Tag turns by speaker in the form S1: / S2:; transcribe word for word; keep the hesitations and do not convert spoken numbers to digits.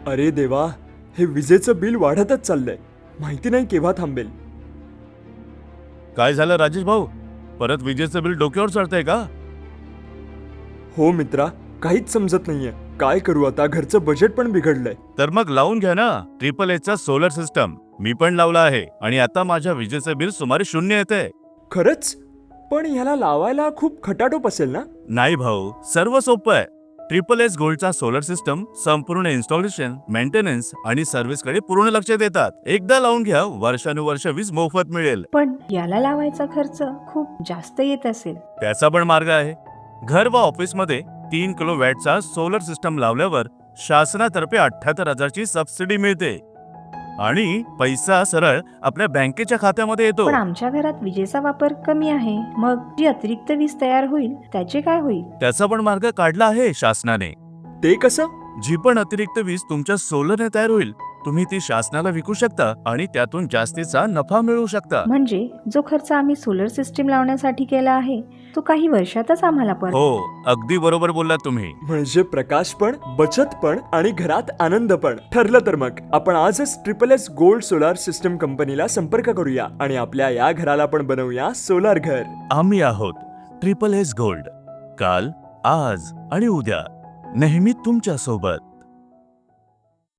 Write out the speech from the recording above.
S1: अरे देवा, हे विजेचं बिल वाढतच चाललंय. माहिती नाही केव्हा थांबेल.
S2: काय झालं राजेश भाऊ? परत विजेचं बिल डोक्यावर चढतंय का?
S1: हो मित्रा, काहीच समजत नाहीये. काय करू आता? घरचं बजेट पण बिघडलंय.
S2: तर मग लावून घ्या ना ट्रिपल एचचा सोलर सिस्टम. मी पण लावला आहे आणि आता माझ्या विजेचं बिल सुमारे शून्य येते.
S1: खरंच? पण ह्याला लावायला खूप खटाटोप असेल ना?
S2: नाही भाऊ, सर्व सोपं आहे. ट्रिपल एच गोल्डचा सोलर सिस्टम संपूर्ण इन्स्टॉलेशन, मेंटेनन्स आणि सर्व्हिसकडे पूर्ण लक्ष देतात. एकदा लावून घ्या, वर्षानुवर्ष वीज मोफत मिळेल.
S3: पण याला लावायचा खर्च खूप जास्त येत असेल.
S2: त्याचा पण मार्ग आहे. घर व ऑफिसमध्ये तीन किलो वॅटचा सोलर सिस्टम लावल्यावर शासनातर्फे अठ्ठ्याहत्तर हजारची सबसिडी मिळते आणि पैसा सरळ आपल्या बँकेच्या खात्यामध्ये येतो.
S3: पण आमच्या घरात विजेचा वापर कमी आहे, मग जी अतिरिक्त वीज तयार होईल त्याचे काय होईल?
S2: त्याचा पण मार्ग काढला आहे शासनाने.
S1: ते कसं?
S2: जी पण अतिरिक्त वीज तुमच्या सोलरने तयार होईल, तुम्ही ती शासनाला विकू शकता आणि त्यातून जास्तीचा नफा मिळवू शकता.
S3: म्हणजे जो खर्च आम्ही सोलर सिस्टीम लावण्यासाठी केला आहे तो काही वर्षातच आम्हाला परत.
S2: हो, अगदी बरोबर बोललात तुम्ही.
S1: म्हणजे प्रकाश पण, बचत पण आणि घरात आनंद पण. ठरलं तर मग आपण आजच triple S gold solar system कंपनीला संपर्क करूया आणि आपल्या या घराला पण बनवूया सोलार घर.
S2: आम्ही आहोत ट्रिपल एस गोल्ड. काल, आज आणि उद्या नेहमी तुमच्या सोबत.